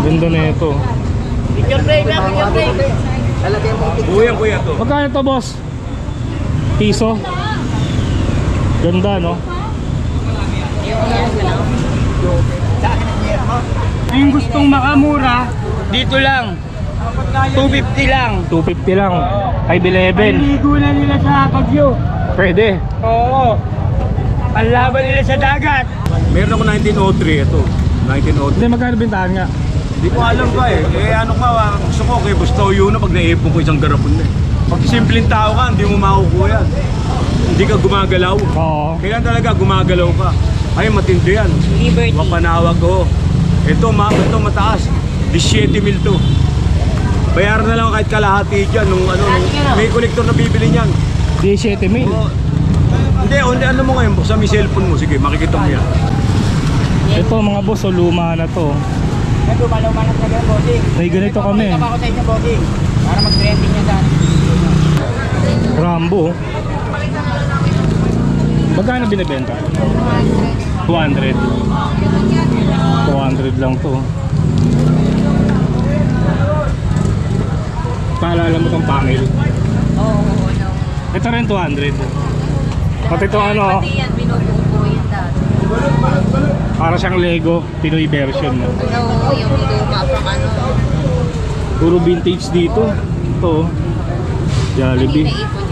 Ganda na ito. Picture break na, picture break. Buyang kuya to. Magkano to, boss? Piso? Ganda, no? Yung gustong makamura, dito lang. 250 lang. 250 lang. 511. Ligo na nila sa Baguio. Pwede. Oo. Panlaban nila sa dagat. Meron ako 1903 ito. 1903. Hindi, magkano bintahan nga? Hindi ko alam ba eh. Eh ano ka, gusto ko kay Bustaw yun na pag naipon ko isang garapon na eh. Pag simpleng tao ka, hindi mo makukuha yan. Hindi ka gumagalaw. Oo. Kailan talaga gumagalaw ka. Ay, matindi yan. Liberty. Mapanawag ko. Ito mataas. 17,000 to. Bayaran na lang kahit kalahati dyan. May kolektor na bibili niyan. 17,000. Oh, hindi, ano mo ngayon? Buksan mo yung cellphone mo. Sige, makikita mo yan. Ito mga boss, luma na to. May lumalaw man sa ganyan, bossing. May ganito kami. Ito ako sa inyo, bossing. Para mag-trending niya sa Rambo. Magkano binibenta? 200. 200 lang to. Paalala mo tong pangil. Oo, no. Ito rin 200. Pati ito ano, Pati yan, binubuo yan dati. para siyang Lego, Pinoy version. No? Ano, yung luma pang ano. Puro vintage dito. Ito, Jollibee. Naipon nyo yan.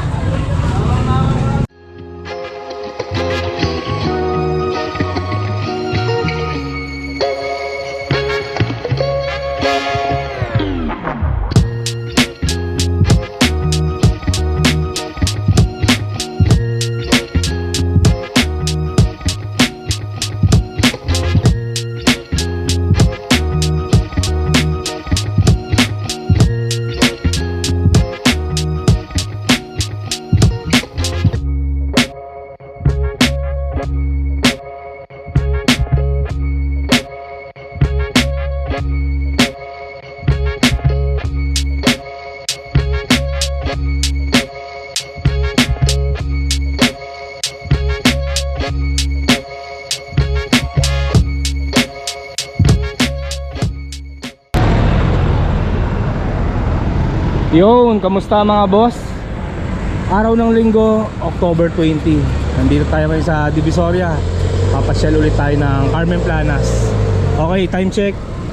Yun, kamusta mga boss? Araw ng linggo, October 20. Nandito tayo ngayon sa Divisoria. Papasyal ulit tayo ng Carmen Planas. Okay, time check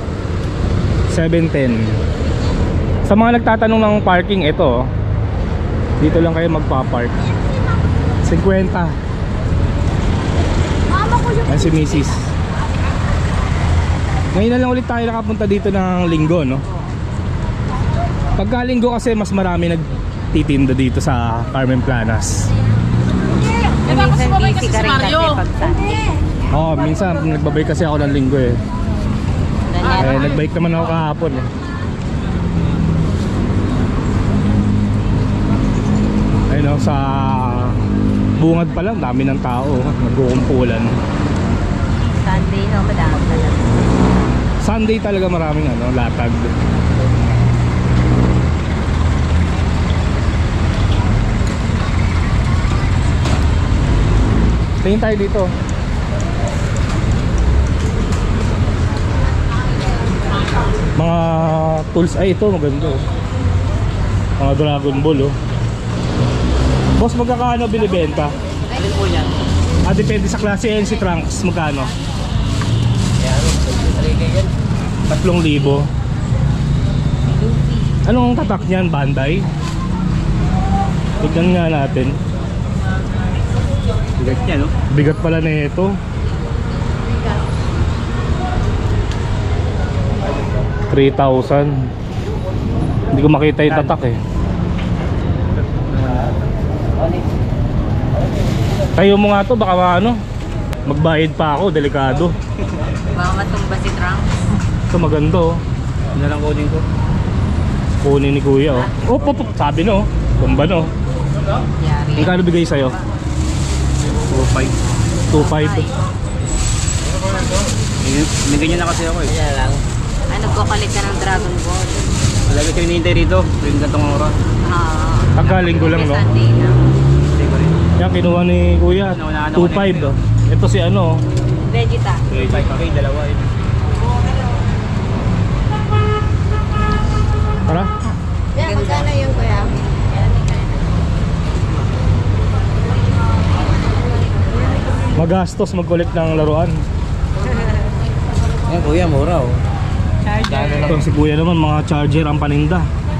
7:10. Sa mga nagtatanong ng parking, ito dito lang kayo magpa-park. 50. Yan si Mrs. Ngayon na lang ulit tayo nakapunta dito ng linggo, no? Pagka linggo kasi mas marami nagtitinda dito sa Carmen Planas. Minsan busy ka rin kasi pag Sunday. Oo, minsan nagbabay kasi ako ng linggo eh. Nagbike naman ako kahapon eh. Ayun o, sa bungad pa lang, dami ng tao. Nagkukumpulan. Sunday, no, madami talaga. Sunday talaga maraming latag. Tingin tayo dito. Mga tools, ay ito maganda oh. Mga Dragon Ball oh. Boss, magkakano binibenta? Alin po yan? Depende sa klase. NC Trunks, magkano? Yan, 3,000. Anong tatak niyan? Bandai? Tignan nga natin. Bigat niya, no? Bigat pala na ito. 3,000. Hindi ko makita yung tatak eh. Tayo mo nga to, baka magbayad pa ako, delikado. Baka matumba si Trunks. Ito maganda oh. Ano lang kunin ko? Kunin ni kuya oh. Oh, sabi no, tumba no. Yari. Magkano bigay sa'yo? 2.5. 2,500. May ganyan na kasi ako eh. Yan lang. Ay, nagkukulit ka ng Dragon Ball. Talaga ko hinihintay rito. Rin na itong oras. Pagkalinggo lang no. Sunday na. Hindi ko rin. Yan kinuha ni kuya. 2,500 oh. Ito si Vegeta. 2.5 pa kayo, dalawa eh. Tara. Yeah, magkano yun, kuya? Magastos mag-collect ng laruan. Ayan kuya, mura oh. Ito si kuya naman, mga charger ang paninda.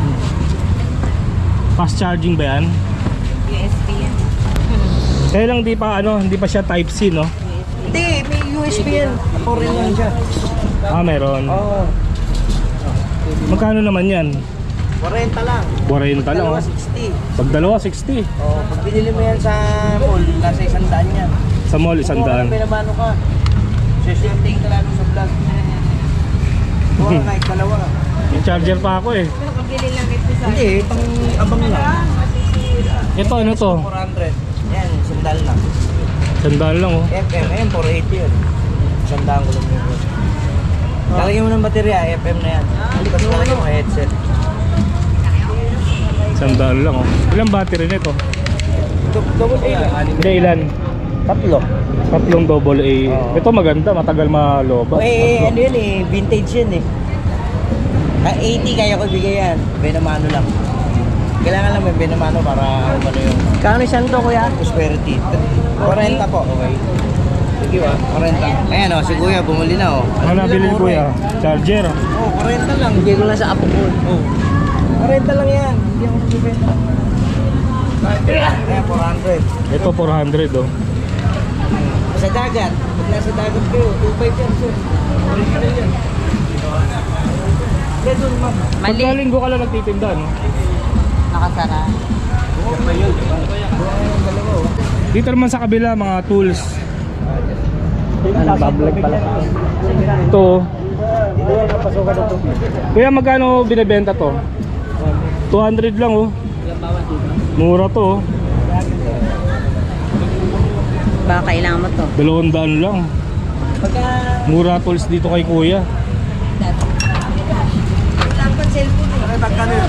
Fast charging ba yan? USB yan. Kaya lang di pa hindi pa siya type C, no? Hindi, may USB yan. Foreign lang siya. Ah, meron. Oo. Magkano naman yan? 40 lang. 40 lang, Dalawa, oh. 60. Pag dalawa, 60. Oh, pag binili mo yan sa mall, nasa 100 yan. Sa mall, Kung walang 100. pinamano ka, siswerte ka lalo sa vlog. Kuha ka kahit dalawa. Yung charger pa ako eh. Pabili lang ito sa... Hindi, pang abang lang. Ito, ano to? 400. Yan, sandal lang. Sandaan lang, oh. FM, ayan, 480 yun. Sandaan ko lang yun. Lalagyan mo ng baterya, FM na yan. Tapos lalagyan mo headset. Sandaan lang, oh. Ilang battery nito? Double A lang. Hindi, ilan? Tatlo. Tatlong double A. Oo. Ito maganda, matagal malobat. Eh, ano yun eh, vintage yun eh. 80 kaya ko bigay yan. Benamano lang. Kailangan lang may benamano para ano yung... Kano isang to kuya? Prosperity. 40 po, okay. Sige ba? 40. Ayan o, si kuya bumuli na o. Ano nabili ni kuya? Charger. Oo, 40 lang. Bigay ko lang sa apo ko. Oo. 40 lang yan. Hindi ako magbibenta. Ayan, 400. Ito 400, oh. Sa dagat. Pag nasa dagat kayo, 2.5 yan sir. Original yan. Kaya doon ma'am. Pagkalinggo ka lang nagtitinda, no? Nakasara. Dito naman sa kabila, mga tools. Public pala. Ito, oh. Kuya, magkano binibenta to? 200 lang, oh. Mura to, oh. Baka kailangan mo to. 200 lang. Pagka... Mura tools dito kay kuya. Dapat cellphone eh. Pagkano yun?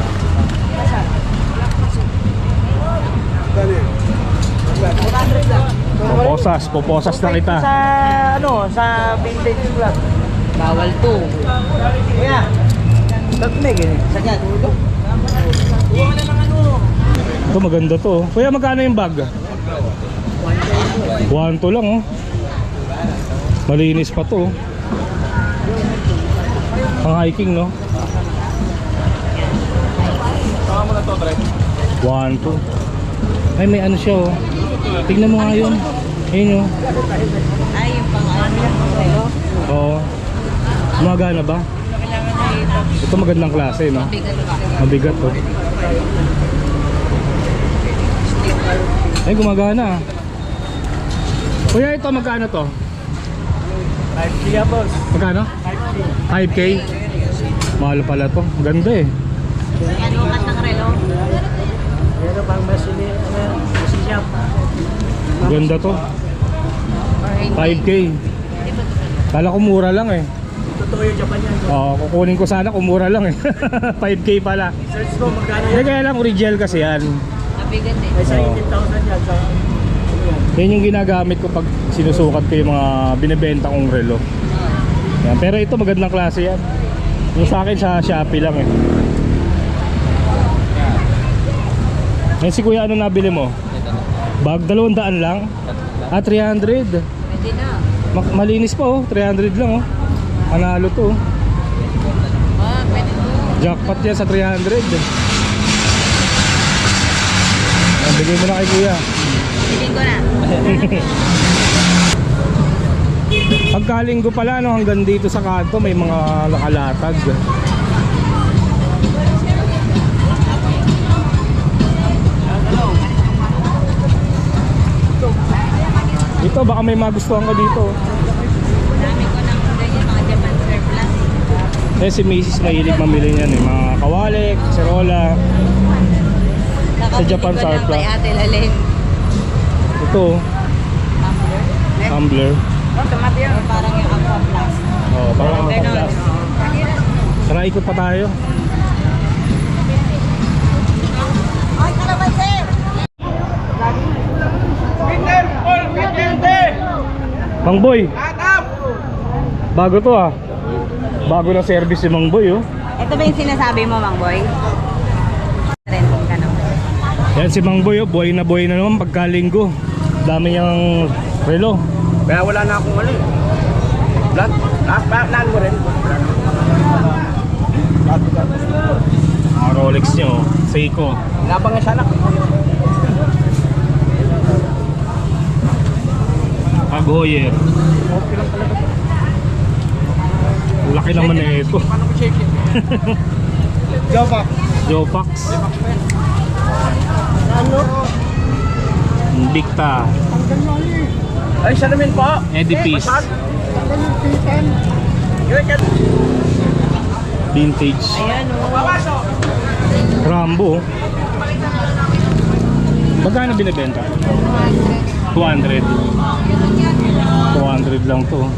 Poposas na kita. Sa ano, sa vintage vlog. Bawal to. Kuya, ba't may ganyan? Sagad. Kuha ka na ng ano. Ito maganda to, oh. Kuya, magkano yung bag? 1 to lang, oh. Malinis pa to, oh. Pang hiking, no? 1 to. Ay, may ano siya, oh. Tingnan mo nga yun. Ayun, oh. Ay, yung pang-ano. Oo. Gumagana ba? Ito magandang klase, no? Bigat pa. Mabigat, oh. Ay, gumagana. Kuya, ito magkano to? 5K boss. Magkano? 5K? Mahal pala to. Ganda eh. Ano kat ng relo? Pero pang masini, masishop. Ganda to. 5K. Kala ko mura lang eh. Totoo yung Japan yan. Oo, kukunin ko sana kung mura lang eh. 5K pala. Search ko magkano Hindi, yan. kaya lang original kasi yan. Mabigat eh. May sa Oo. 18,000 yan. Sa... Yan yung ginagamit ko pag sinusukat ko yung mga binibenta kong relo. Yan. Pero ito magandang klase yan. Yung sa akin sa Shopee lang eh. Yan si kuya, ano nabili mo? Bag 200 lang? Ah, 300. Pwede na. Malinis pa, oh, 300 lang, oh. Panalo to, oh. Ah, pwede to. Jackpot yan sa 300. Yan, bigay mo na kay kuya. Bilhin ko na. Pagkalinggo pala, no, hanggang dito sa kanto may mga nakalatag. Ito, baka may magustuhan ka dito. Dami ko ng ganyan, mga Japan surplus. Eh, si Mrs. mahilig mamili niyan eh. Mga kawalik, serola. Sa Japan Nakabili ko lang surplus. kay Ate Laleng. Ito, Tumbler. tumbler. Tumabi yun. Parang yung Aqua Plus. Oh, parang Ganon. mapaplas. Tara, ikot pa tayo. Ay, kalamansi! Mang Boy. Bago to ah. Bago na service si Mang Boy, oh. Ito ba yung sinasabi mo, Mang Boy? Renting ka naman. Yan si Mang Boy, oh, buhay na naman pagkalinggo. Dami niyang relo. Kaya wala na akong ano eh. Lahat mo rin. Mga Rolex niyo, Seiko. Labang nga sana. Tag Heuer. Laki naman na ito. Jopak. Jopax. Ano? Dicta. Ay, siya namin po. Edifice. Vintage. Ayan o. Rambo. Magkano binibenta? 200. 200 lang to.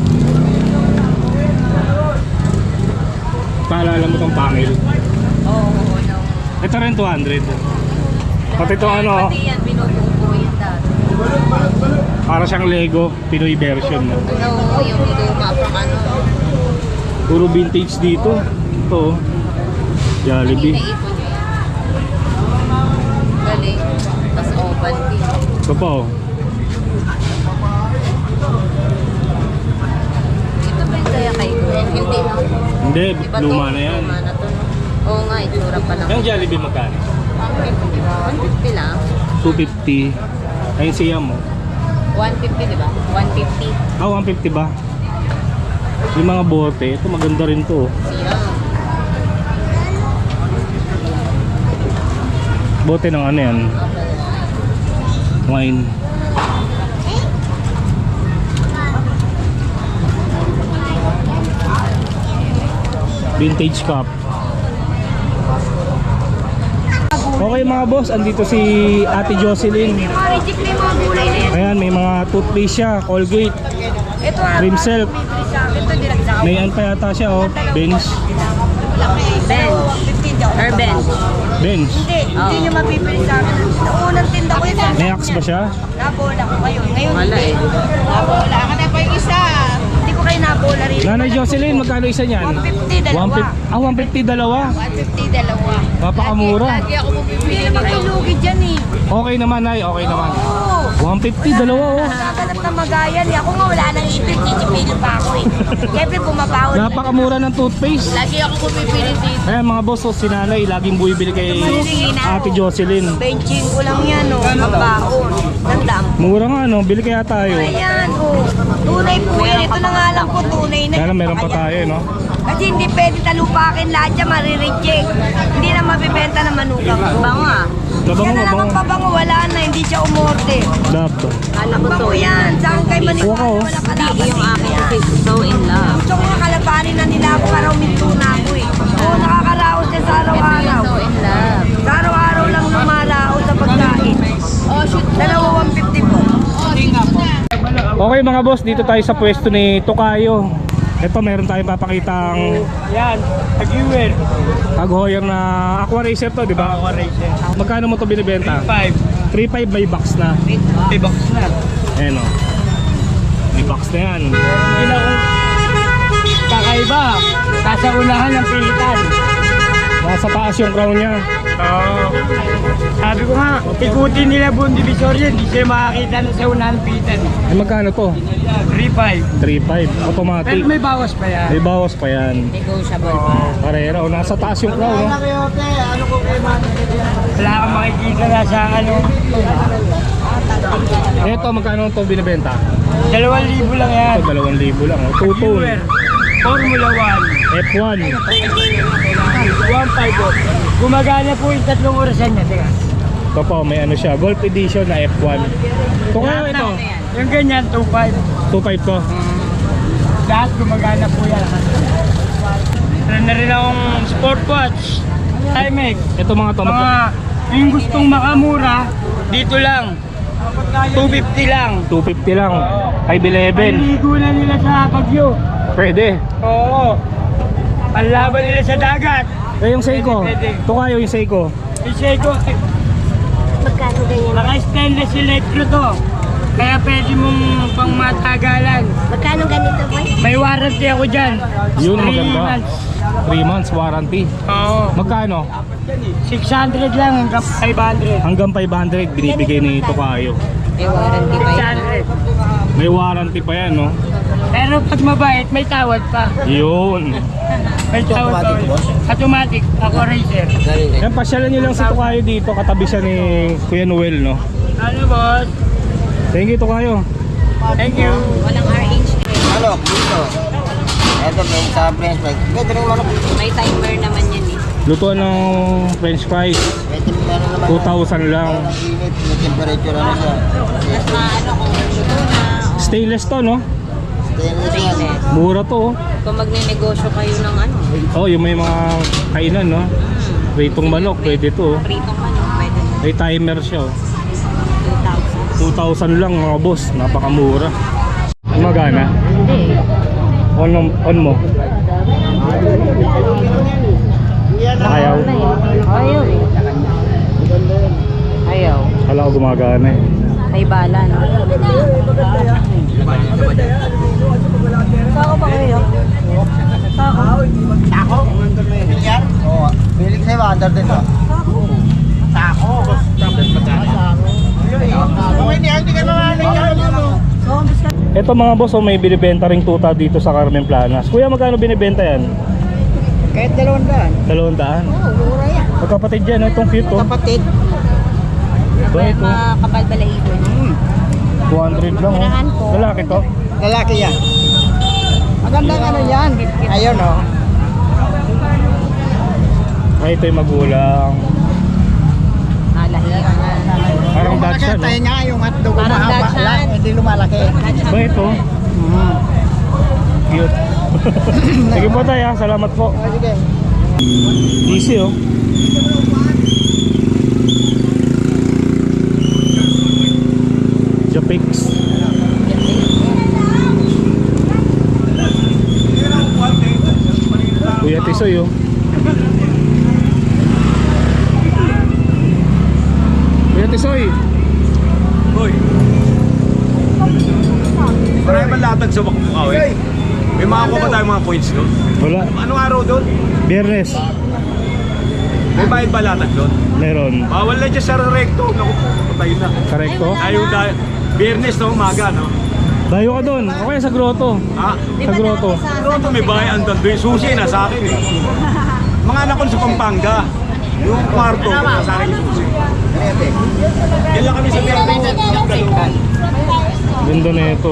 Paalala mo tong pangil. Oo, no. Ito rin 200. Pati ito ano, Pati yan, binubuko yun dati. para siyang Lego Pinoy version. No? Oo, yung luma pang ano. Puro vintage dito. Ito, Jollibee. Naipon nyo yan. Galing. Tapos oval din. Ito pa oh. Ito ba yung kaya kay Gwen? Hindi na. Hindi, Iba luma to, na yan. Luma na to. No? Oo nga, itsura pa lang. Yung Jollibee magkano? 150 lang. 250. Ayun siya mo. 150, di ba? 150. Ah, 150 ba? Yung mga bote, ito maganda rin to. Oh. Siya. Bote ng ano yan? Wine. Vintage cup. Okay mga boss, andito si Ate Jocelyn. Reject na yung mga gulay na yan. Ayan, may mga toothpaste siya, Colgate, Ito Cream Silk. bibili sa akin ito, direct sa May ano pa yata siya oh, Benz. Bench. Or bench. Benz. Hindi nyo mapipili sa akin. Unang tinda ko yun. May axe ba siya? Nabola ko ngayon. Ngayon hindi. Nabola ka na pa yung isa. Hindi ko kayo nabola rin. Nanay Jocelyn, magkano isa niyan? 150 dalawa. 150 dalawa. 150 dalawa. Papakamura. Lagi ako bumibili. Hindi naman kayo lugi dyan eh. Okay naman ay, okay naman. Oo. 150 dalawa oh. Nakaganap na magayan eh. Ako nga wala nang ipit. Chichipili pa ako eh. Siyempre bumabawal. Napakamura ng toothpaste. Lagi ako bumibili dito. Ayan mga boss, so, si nanay laging bumibili kay Ate Jocelyn. Benching ko lang yan oh. Ang baon. Nandam. Mura nga no, bili kaya tayo. Ayan oh. Tunay po yan. Ito na nga lang po tunay na. Kaya lang meron pa tayo no. Kasi hindi pwede talupakin lahat yan, marireject. Hindi na mabibenta na manugang. Bango ah. Mabango, Yan na lang ang mabango. pabango, wala na, hindi siya umorte. Dapat. Alam ko to yan. Saan kay Kuha ko, oh. maniwala, wala kalaban. Yung akin kasi so in love. Gusto ko nga kalabanin na nila ako para uminto na ako eh. Oo, nakakaraos siya sa araw-araw. So in love. Sa araw-araw lang lumaraos sa pagkain. Oh, shoot. Dalawa 150 po. Okay mga boss, dito tayo sa pwesto ni Tokayo. Ito meron tayong papakitang Yan. Tag-viewer. Tag Heuer na Aqua Racer to, di ba? Aqua Racer. Magkano mo to binibenta? 5. 3.5 may box na. May box na. Ayan o. May box na yan. Hindi na kung kakaiba. Nasa unahan ng pilitan. Nasa taas yung crown niya. Oo. Sabi ko nga, ikutin nila buong divisorya. Hindi sila makakita na sa unahan ng pilitan. Ay magkano to? 3.5. 3.5 automatic. Pero may bawas pa yan. May bawas pa yan. Negotiable pa. Karera o nasa taas yung crown no? Wala kang makikita na sa ano. Ito magkano to binibenta? 2,000 lang yan. Ito 2,000 lang. Oh. Two-tone. Viewer. Formula 1. F1. 1.5 po. Gumagana po yung 3 orasan niya. Teka. Ito po may ano siya. Golf edition na F1. Ito kaya ito. Yung ganyan, 2.5. 2.5 to. Lahat gumagana po yan. Meron na rin akong sport watch. Timex. Ito mga to. Mga yung gustong makamura, dito lang. 250 lang. 250 lang. 511. Paligo na nila sa Bagyo. Pwede. Oo. Panlaban nila sa dagat. Eh yung Seiko. Pwede. Ito kayo yung Seiko. Isay ko, Magkano ganyan? naka-stainless electro to. Kaya pwede mong pang matagalan. Magkano ganito boy? May warranty ako dyan. Yun, 3 maganda. months. 3 months warranty. Oo. Magkano? 600 lang hanggang 500. Hanggang 500 binibigay ni Tokayo. May warranty pa yan. 600. May warranty pa yan, no? Pero pag mabait, may tawad pa. Yun. May tawad pa. automatic, boss? Automatic. Ako racer. Yan, pasyalan nyo lang si Tokayo dito. Katabi siya ni Kuya Noel, no? Ano boss? Thank you, Tokayo. Thank you. Walang RH na rin. Manok, dito. Ito, sa French fries. Pwede rin manok. May timer naman yan eh. Lutuan ng french fries. Pwede rin meron naman. 2,000 lang. Ang init, may temperature ano siya. Mas maano kung luto na. Stainless to, no? Stainless yan. Stainless. Mura to, oh. Kung magne-negosyo kayo ng ano. Oh, yung may mga kainan, no? Pritong manok, pwede to, oh. Pritong ano, pwede. May timer siya, oh. 2,000. 2,000 lang, mga boss. Napakamura. Magana? Hindi. On mo. Ayaw. Ayaw eh. Ayaw. Kala ko gumagana eh. May bala no? Sako ba kayo? Tako? Bilyar? Oo. Bilig sa'yo, under din ba? Tako? Hindi ka naman. Ito mga boss, oh, may binibenta ring tuta dito sa Carmen Planas. Kuya, magkano binibenta yan? Kahit 200. 200? Mura yan. Magkapatid yan, oh. Itong cute, oh. Kapatid. Ito, ito. Mga kapal balahibo. 200 lang, Unahan po. oh. Lalaki to. Lalaki yan. Magandang ano yan. Ayun o. Ay, ito yung magulang. Nalahiyan na. Parang Dachshund, no? nga yung hotdog Parang Dachshund. Hindi lumalaki. Ba ito? Cute. Sige po tayo, salamat po. Sige. Easy, oh. Japix. Kuya Tisoy, oh. Kuya Tisoy. Hoy. Marami ba latag sa Bakbukaw eh? May makakuha ba tayong mga points doon? Wala. Anong araw doon? Biyernes. May bayad ba latag doon? Meron. Bawal na dyan sa recto. Naku, patay na. Correcto? Ayaw dahil. Biyernes na umaga, no? Dayo ka doon. Okay, sa grotto. Ha? Sa grotto. Pero ito may bayan doon. Yung susi na sa akin eh. Mga anak ko sa Pampanga. Yung kwarto, sa akin yung susi. Yan lang kami sa Biyernes. Ganda na ito.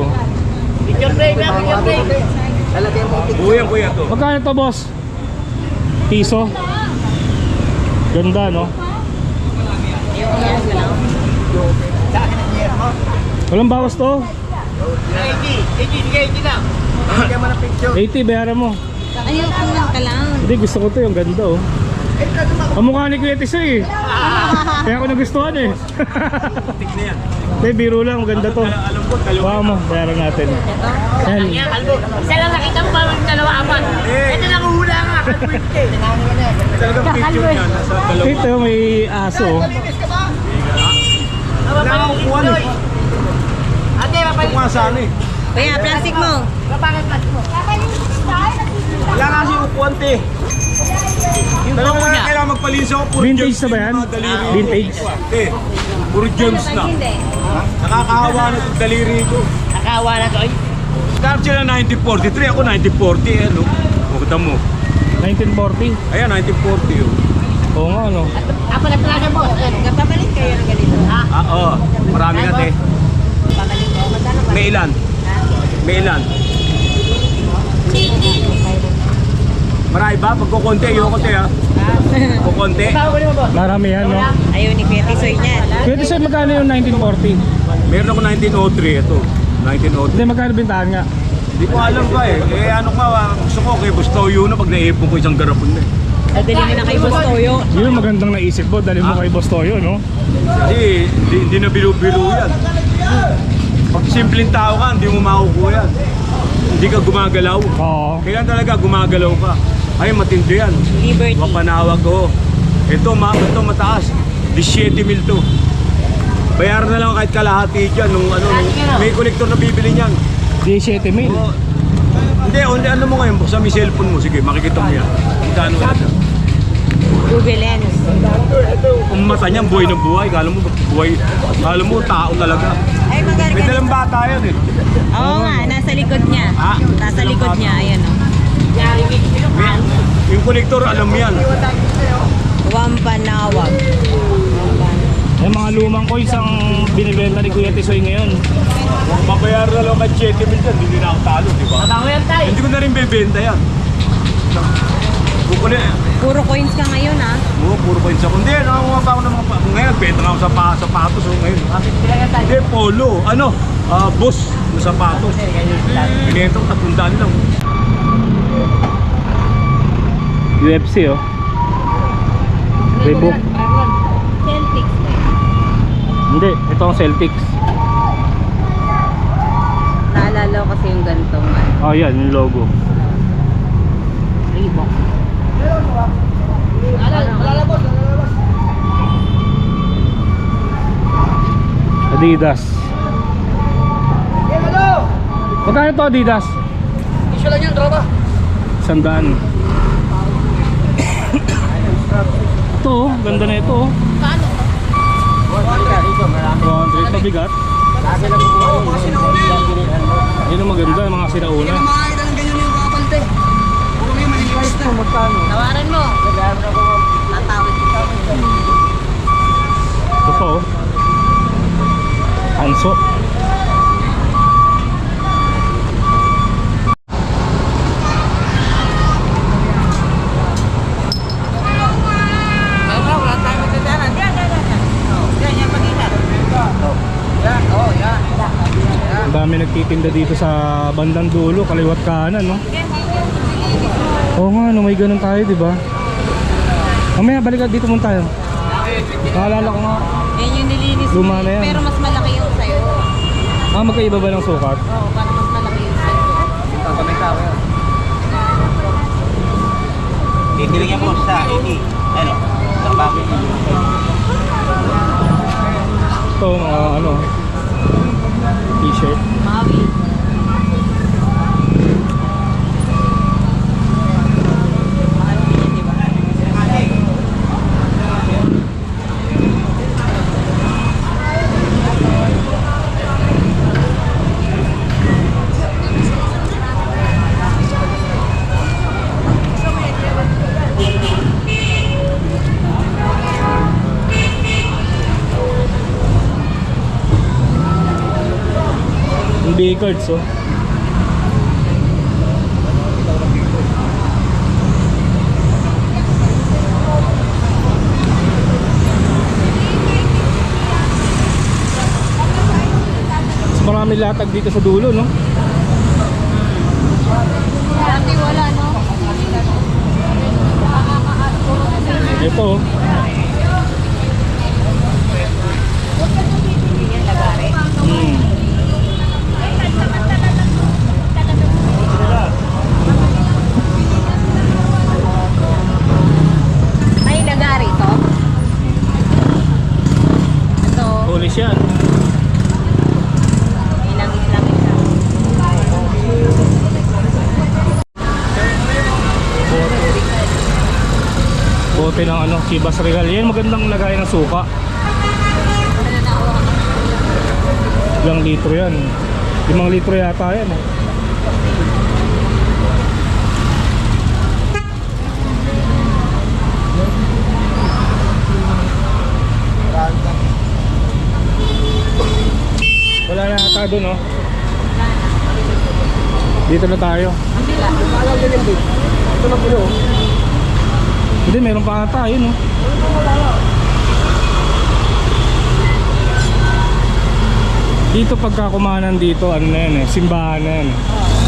Buyang kuya to. Magkano to, boss? Piso? Ganda, no? Walang bawas to? 80, bayaran mo. Ayaw ko lang ka lang. Hindi, gusto ko to, yung ganda, oh. Ang mukha ni Kuya Tisoy, eh. Kaya ako nagustuhan, eh. Tik na yan. Hindi, biro lang, maganda to. Alam ko, dalawa. Baka mo, bayaran natin. Yan. Isa lang nakita mo pa dalawa apat. Ito lang hula nga. Talagang picture niya. Nasa dalawa. Ito, may aso, oh. Wala nga kukuha eh. Ate, Ito nga sana eh. Kuya, plastic mo. Wala nga kasi kukuha te. Talaga nga kailangan magpalinis ako. Puro Vintage gems na ba yan? yung mga daliri. Vintage? Eh, puro gems na. Nakakahawa na itong daliri ko. Nakawa na to. Start sila 1943, ako 1940 eh, no? Makita mo. 1940. Ayan, 1940 yun. Oo nga, no? Ako na plaza mo. Kapapalit kayo ng ganito. Oo. Marami nga te. Papalit ko. Magkano ba? May ilan? May ilan? Marami ba? Pagkukunti, ayoko te ha. Kukunti. Marami yan, no? Ayaw ni Kuya Tisoy niyan. Kuya Tisoy, magkano yung 1940? Meron ako 1903, ito. 1903. Hindi, magkano bintahan nga? Hindi ko alam ba eh. Eh ano nga, gusto ko kay Bustoyo na pag naipon ko isang garapon na eh. Dadali mo na kay Boss Toyo. Yun, magandang naisip mo. Dali mo kay Boss Toyo, no? Hindi na biro-biro yan. Pag simpleng tao ka, hindi mo makukuha yan. Hindi ka gumagalaw. Oo. Kailan talaga gumagalaw ka? Ay, matindi yan. Liberty. Mapanawag ko. Ito mataas. 17,000 to. Bayaran na lang kahit kalahati dyan. May kolektor na bibili niyan. 17,000. Oo. Hindi, ano mo ngayon, buksan mo yung cellphone mo. Sige, makikita mo yan. Magkano yan? Google Lens. Ang mata niya, buhay na buhay. Kala mo, buhay. Kala mo, tao talaga. Ay, maganda. May dalang bata yan eh. Oo nga, nasa likod niya. Ah, Nasa likod niya, ayan o. Yung connector, alam mo yan. Wampanawag. Yung mga lumang coins ang binibenta ni Kuya Tisoy ngayon. Kung mabayaran na lang ang 7 mil dyan, hindi na ako talo, di ba? Tama yan tayo. Hindi ko na rin bebenta yan. Bukuli, Puro coins ka ngayon ah. puro coins ako. Hindi, nakakuha pa ako ng mga ngayon, benta nga ako sa sapatos. Ngayon. Hindi, polo. Ano? Boss, yung sapatos. Binenta ko, 300 lang. UFC oh. Reebok. Celtics. Hindi, ito ang Celtics. Naalala ko kasi yung gantong Oh, yan, yung logo. Reebok. Adidas. Magkano to Adidas? Isyo lang yan, tropa. 100. Ito oh, ganda na ito oh. 100 mabigat. Yun ang maganda, mga sinauna. Makakita ng ganyan yung kapalte. Puro may maniliwas na. Magkano? Tawaran mo. Tatawid ko. Ito pa oh. Anso. Ang dami nagtitinda dito sa bandang dulo, kaliwat kanan, no? Oo nga, no, may ganun tayo, di ba? Mamaya, balikan dito muna tayo. Naalala ko nga. Yan yung nilinis mo. Luma na yan. Pero mas malaki yung sa'yo. Magkaiba ba ng sukat? Oo, parang mas malaki yung sa'yo. Bibili niya po sa ini. Ano? Trabaho niya. Ito, mga ano, t-shirt. Maui. Mahal din yun, di ba? Yung B-cards, oh. Mas marami latag dito sa dulo, no? Dati wala, no? Ito, oh. Yan, lagari. Hmm. May lagari to. Ito. Polish yan. May langis-langis siya. Bote ng ano, Chivas Regal. Yan, magandang lagay ng suka. Ilang litro yan? 5 litro yata yan, eh. Wala na ata doon, no? Dito na tayo. Ito na po yun. Hindi, meron pa ata, yun, no? Dito pagka kumanan dito, ano na yan, eh, simbahan na yan.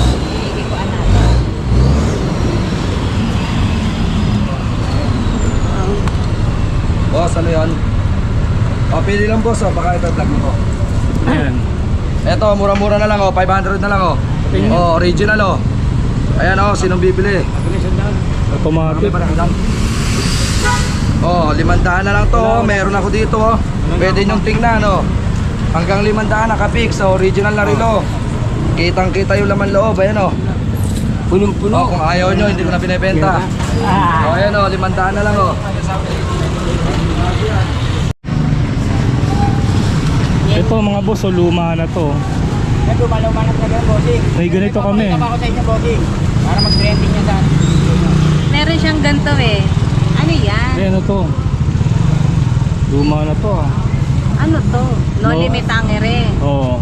Boss, ano yan? O, pili lang boss, baka ito vlog mo. Ayan. Eto, mura-mura na lang, 500 na lang, Tingnan. original, Ayan, sinong bibili? Automatic. Oh, 500 na lang to. Meron ako dito, Pwede nyong tingnan, Hanggang 500 nakapix, original na relo. Kitang-kita yung laman loob, ayan, Punong-puno. Kung ayaw nyo, hindi ko na binibenta. O ayan o, 500 na lang o. Ito mga boss, oh, luma na to. Luma-luma na talaga, bossing. May ganito kami. Ako sa inyo, bossing. Para mag-trending nyo sa... Meron siyang ganito eh. Ano yan? Ano to? Luma na to ah. Ano to? No No. limit angere. Oo.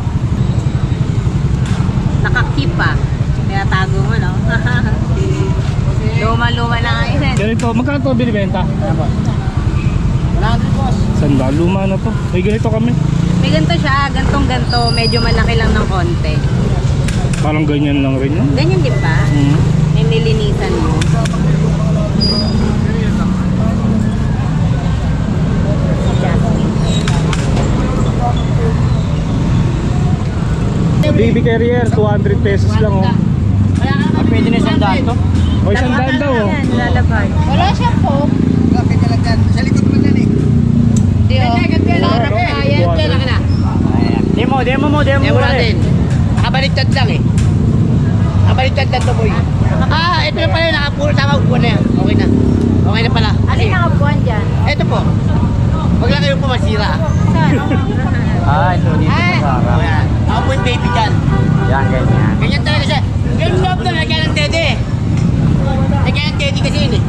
Nakakip pa. Kaya tago mo, no? Luma-luma na nga yun. Ganito, magkano to binibenta? 100, boss. Sanda, luma na to. May ganito kami. May ganito siya, gantong-ganto. Medyo malaki lang ng konti. Parang ganyan lang rin yun. Ganyan din ba? Hmm. May nilinisan mo. Baby carrier, 200 pesos lang oh. Pwede na isang daan to. O isang daan daw oh. Yan, lalabay. Wala siya po. Bakit na lang dyan? Sa likod mo dyan eh. Di o. Sarap na yan. Diyan lang na. Demo natin. Nakabaliktad lang eh. Nakabaliktad lang to, boy. Ito na pala, nakapuro tama upo na yan. Okay na. Okay na pala. Ano yung nakabuhan dyan? Ito po. Huwag lang kayo po masira. Saan? Ito dito sa harap. Ayan. Ako po yung baby dyan. Yan, ganyan. Ganyan talaga siya. Yung loob na, lagyan ng tede. Lagyan ng tede kasi yun eh.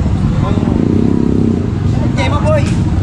Demo, boy.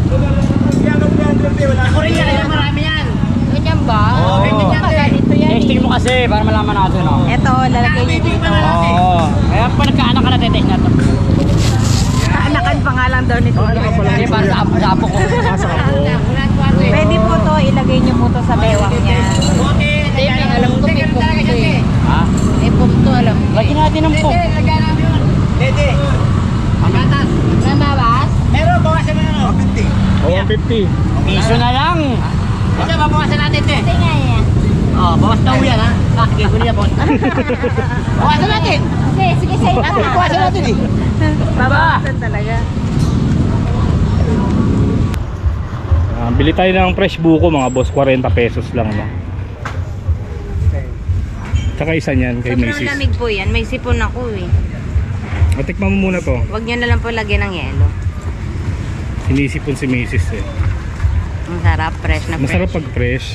Ako rin yan, ayan, marami yan. Ganyan ba? Oo, ganyan yan. Ganito yan. Testing mo kasi para malaman natin, no? Ito, lalagay niyo dito. Oo. Kaya pa nagkaanak ka na tetest na to. Kaanakan pa nga lang daw nito. Hindi para sa apo ko. Pwede po to, ilagay niyo po to sa bewang niya. Hindi, alam ko may pumto eh. Ha? May pumto, alam ko. Lagyan natin ng po. Dede. Pagatas. Namabas? Pero bawasan mo na no? 50. O 150. Piso na lang. Ito, babawasan natin ito eh. Hindi nga yan. Oh, bawas daw yan ha. Sige, kunin na po. Bawasan natin. Sige, sige sa'yo pa. Bawasan natin eh. Babawasan talaga. Bili tayo ng fresh buko mga boss, 40 pesos lang no. Tsaka isa niyan kay Sobrang Macy's. lamig po yan. May sipon ako eh. Matikman mo muna to. Huwag niyo na lang po lagyan ng yelo. Sinisipon si Macy's eh. Ang sarap, fresh na fresh. Masarap pag fresh.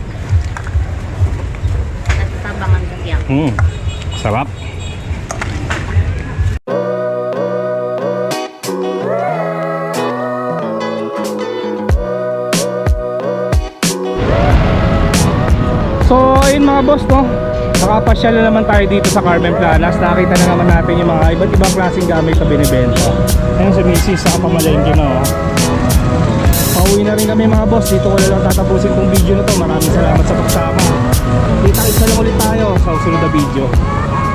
Natabangan ka yan. Sarap. So ayun mga boss no, nakapasyal na naman tayo dito sa Carmen Planas. Nakita na naman natin yung mga iba't ibang klaseng gamit na binibenta. Ayun sa Macy's, sa pamalengke na oh. Pauwi na rin kami mga boss. Dito ko na lang tatapusin tong video na to. Maraming salamat sa pagsama. Kita-kita lang ulit tayo sa susunod na video.